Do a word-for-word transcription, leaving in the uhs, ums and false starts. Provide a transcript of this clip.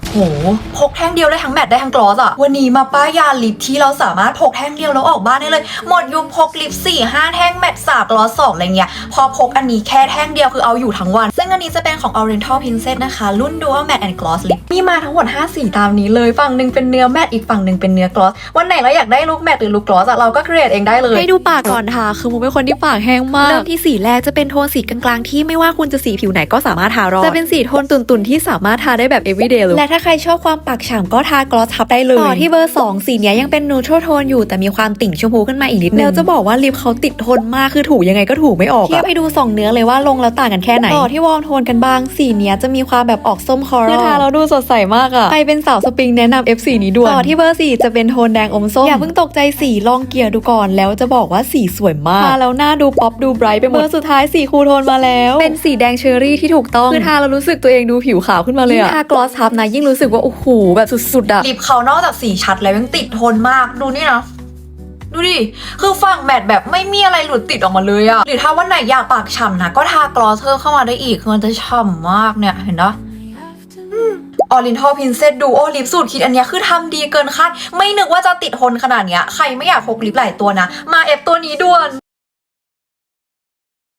โหพกแท่งเดียวได้ทั้งแมตต์ได้ทั้งกลอสอะวันนี้มาป้ายยาลิปที่เราสามารถพกแท่งเดียวแล้วออกบ้านได้เลยหมดยุคพกลิปสี่ห้าแท่งแมตต์สามกลอสสองอะไรเงี้ยพอพกอันนี้แค่แท่งเดียวคือเอาอยู่ทั้งวันซึ่งอันนี้จะเป็นของ Oriental Princess นะคะรุ่น Dual Matte and Gloss Lip มีมาทั้งหมดห้าสีตามนี้เลยฝั่งหนึ่งเป็นเนื้อแมตต์อีกฝั่งหนึ่งเป็นเนื้อกลอสวันไหนเราอยากได้ลุคแมตต์หรือลุคกลอสอะเราก็ครีเอทเองได้เลยให้ดูปากก่อนค่ะคือมุกเป็นคนที่ปากแห้งมากเริ่มที่สีแรกจะเป็นโทนสีกลางๆที่ไม่ว่าคุณจะสีผิวไหนก็สามารถทารอดจะเป็นสีโทนตุ่นๆที่สามารถทาได้แบบ everyday เลยและถ้าใครชอบความปากฉ่ำก็ทากลอสทับได้เลยต่อที่เบอร์สองสีเนี้ยยังเป็นนูโทรโทนอยู่แต่มีความติ่งชมพูขึ้นมาอีกนิดนึงแล้วจะบอกว่าลิปเขาติดทนมากคือถูยังไงก็ถูไม่ออกเทียบให้ดูสองเนื้อเลยว่าลงแล้วต่างกันแค่ไหนต่อที่วอร์มโทนกันบ้างสีเนี้ยจะมีความแบบออกส้มคอรัลคือทาแล้วดูสดใสมากอะใครเป็นสาวสปริงแนะนำ เอฟ สีนี้ด่วนต่อที่เบอร์สี่จะเป็นโทนแดงอมส้มอย่าเพิ่งตกใจสีลองเกลี่ยดูก่อนแล้วจะบอกว่าสีสวยมากทาแล้วหน้าดูป๊อปดูไบรท์ไปหมดเบอร์สุดท้ายสีคูลโทนมาแล้วเป็นสีแดงเชอร์รี่ที่ถูกต้องคือทาแล้วรู้สึกตัวเองดูผิวขาวขึ้นมาเลยอะทากลอสทับนะยิ่งรู้สึกว่าโอ้โหแบบสุดๆอะลิปเขานอกจากสีชัดแล้วยังติดทนมากดูนี่นะดูดิคือฝั่งแมตต์แบบไม่มีอะไรหลุดติดออกมาเลยอะหรือถ้าวันไหนอยากปากฉ่ำนะก็ทากลอสเพิ่มเข้ามาได้อีกคือมันจะฉ่ำมากเนี่ยเห็นปะOriental Princess Duo Lip สูตรคิดอันเนี้ยคือทำดีเกินคาดไม่นึกว่าจะติดทนขนาดเนี้ยใครไม่อยากพกลิปหลายตัวนะมาเอฟตัวนี้ด่วน